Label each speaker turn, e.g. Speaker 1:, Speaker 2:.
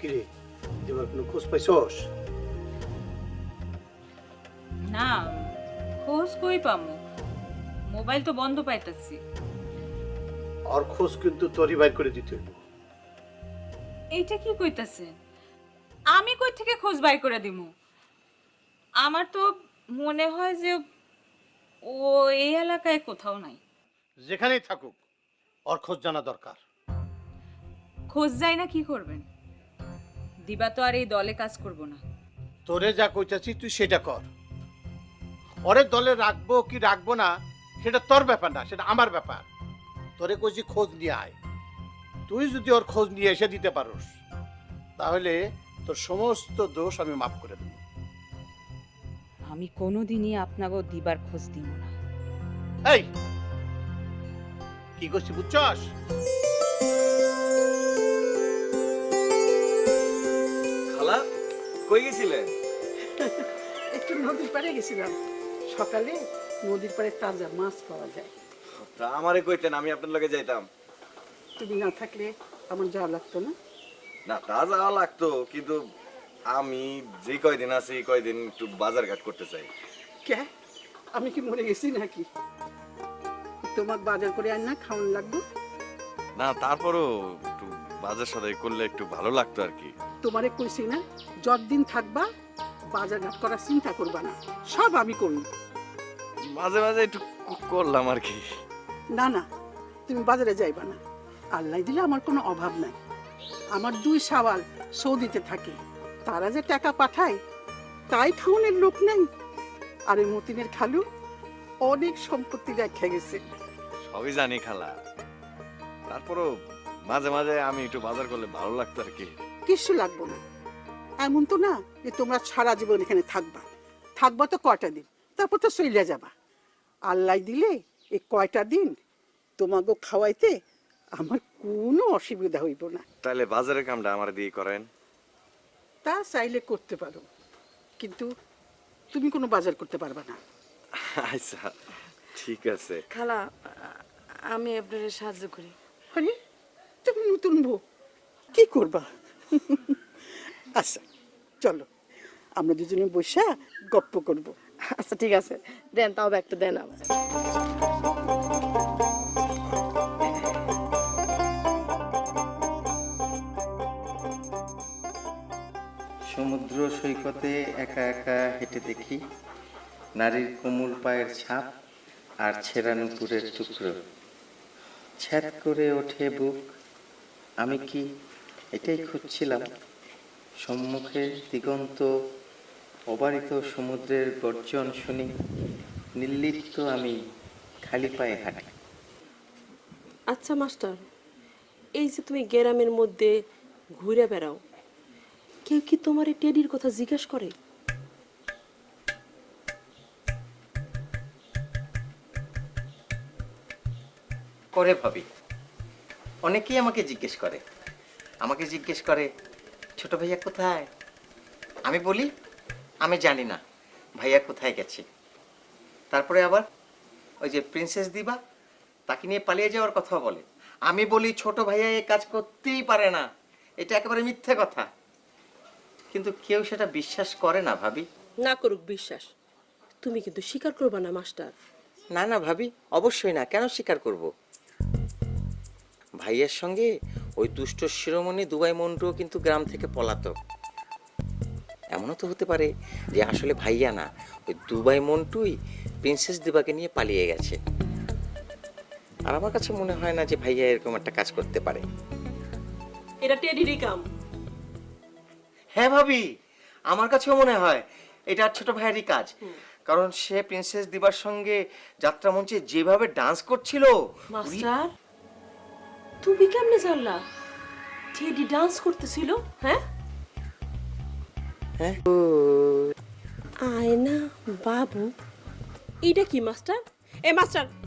Speaker 1: কিরে, দিবার কোনো খোঁজ পাইছস?
Speaker 2: না, খোঁজ কই পামু? মোবাইল তো বন্ধ পাইতাছি।
Speaker 1: আর খোঁজ কিন্তু তোরই বাইর করে দিতে হইব।
Speaker 2: এইটা কি কইতাছেন? আমি কই থেকে খোঁজ বাই করে দিমু? আমার তো মনে হয় যে ও এই এলাকায় কোথাও নাই।
Speaker 1: যেখানেই থাকুক ওর খোঁজ জানা দরকার।
Speaker 2: খোঁজ যায় না কি করবেন? দিবা তো আর এই দলে কাজ করব না।
Speaker 1: তোরে যা কইতাছি তুই সেটা কর। ওরে দলে রাখবো কি রাখবো না সেটা তোর ব্যাপার না, সেটা আমার ব্যাপার। তোরে কইছি খোঁজ নিয়ে আয়। তুই যদি ওর খোঁজ নিয়ে এসে দিতে পারোস তাহলে তোর সমস্ত দোষ আমি মাফ করে দেব।
Speaker 2: আমি কোনোদিনই আপনাকে দিবার খোঁজ দিব না।
Speaker 1: এই কি করছি বুঝছস?
Speaker 3: খালা কই গেছিলেন?
Speaker 4: একটু নদীর পাড়ে গেছিলাম। সকালে নদীর পাড়ে তাজা মাছ পাওয়া যায়।
Speaker 3: তা আমারে কইতেন, আমি আপনার লগে যাইতাম।
Speaker 4: তুমি না থাকলে আমার যাওয়া লাগতো না।
Speaker 3: না, তা যাওয়া লাগতো, কিন্তু আমি যে কয়দিন আছি এই কয়দিন একটু বাজার ঘাট করতে চাই।
Speaker 4: কে, আমি কি মরে গেছি নাকি? তোমার বাজার করে আন না, খাওয়ান লাগবে।
Speaker 3: না, তারপরও একটু বাজার সদাই করলে একটু ভালো লাগতো আর কি।
Speaker 4: তোমারে কইছি না, যতদিন থাকবা বাজার ঘাট করার চিন্তা করবা না, সব আমি করব।
Speaker 3: মাঝে মাঝে একটু করলাম আর কি।
Speaker 4: না না, তুমি বাজারে যাইবা না। আল্লাহ দিলে আমার কোনো অভাব নাই। আমার 2 সাওয়াল সৌদিতে থাকে, তারা যে টাকা পাঠায় তাই খাওয়ানোর লোক নেই। আর ওই মতিনের খালু অনেক সম্পত্তি রেখে গেছে।
Speaker 3: সবই জানি খালা, তারপরও মাঝে মাঝে আমি একটু বাজার করলে ভালো লাগতো আর কি।
Speaker 4: কিছু লাগবে না। এমন তো না যে তোমরা সারা জীবন এখানে থাকবা। থাকবা তো কয়টা দিন, তারপর তো চলে যাবা। আল্লাহ দিলে এই কয়টা দিন তোমাকে খাওয়াইতে আমার কোনো অসুবিধা হইব না।
Speaker 3: তাহলে বাজারের কামটা আমার দিয়ে করেন।
Speaker 4: তা চাইলে করতে পারো, কিন্তু তুমি কোনো বাজার করতে পারবা না।
Speaker 3: আচ্ছা ঠিক আছে।
Speaker 5: খালা, আমি আপনার সাহায্য করি।
Speaker 4: আরে তুমি নতুন বউ, কি করবা? আচ্ছা চলো, আমরা দুজনে বসে গপ্প করব।
Speaker 5: আচ্ছা ঠিক আছে, দেন তাও একটা দেন আমার।
Speaker 6: সমুদ্র সৈকতে একা একা হেঁটে দেখি নারীর কোমল পায়ের ছাপ আর ছেঁড়া নুপুরের টুকরো। ছ্যাদ করে ওঠে বুক। আমি কি এটাই খুঁজছিলাম? সম্মুখে দিগন্ত অবারিত সমুদ্রের গর্জন শুনি, নির্লিপ্ত আমি খালি পায়ে হাঁটি।
Speaker 5: আচ্ছা মাস্টার, এই যে তুমি গ্রামের মধ্যে ঘুরে বেড়াও, কেউ কি তোমার এই টেডির কথা জিজ্ঞেস করে?
Speaker 6: করে ভাবি, অনেকেই আমাকে জিজ্ঞেস করে। ছোট ভাইয়া কোথায়? আমি বলি আমি জানি না ভাইয়া কোথায় গেছে। তারপরে আবার ওই যে প্রিন্সেস দিবা, তাকে নিয়ে পালিয়ে যাওয়ার কথা বলে। আমি বলি ছোট ভাইয়া এই কাজ করতেই পারে না, এটা একেবারে মিথ্যে কথা। কিন্তু কেউ সেটা বিশ্বাস করে না ভাবি।
Speaker 5: না করুক বিশ্বাস, তুমি কিন্তু স্বীকার করবা না মাস্টার।
Speaker 6: না না ভাবি, অবশ্যই না। কেন স্বীকার করব? ভাইয়ের সঙ্গে ওই দুষ্ট শিরোমণি দুবাই মন্টুও কিন্তু গ্রাম থেকে পলাতক। এমনও তো হতে পারে যে আসলে ভাইয়া না, ওই দুবাই মন্টুই প্রিন্সেস দিবাকে নিয়ে পালিয়ে গেছে। আর আমার কাছে মনে হয় না যে ভাইয়া এরকম একটা কাজ করতে পারে।
Speaker 5: এটা টেডিরই কাম।
Speaker 6: হ্যাঁ ভাবি, আমার কাছেও মনে হয় এটা ছোট ভাইয়েরই কাজ। কারণ সে প্রিন্সেস দিবার সঙ্গে যাত্রা মঞ্চে যেভাবে ডান্স করছিল।
Speaker 5: মাস্টার, তুমি কেমনে জানলা টেডি ডান্স করতেছিল? হ্যাঁ,
Speaker 6: হ্যাঁ
Speaker 5: আয়না বাবু, এটা কি মাস্টার? এ মাস্টার,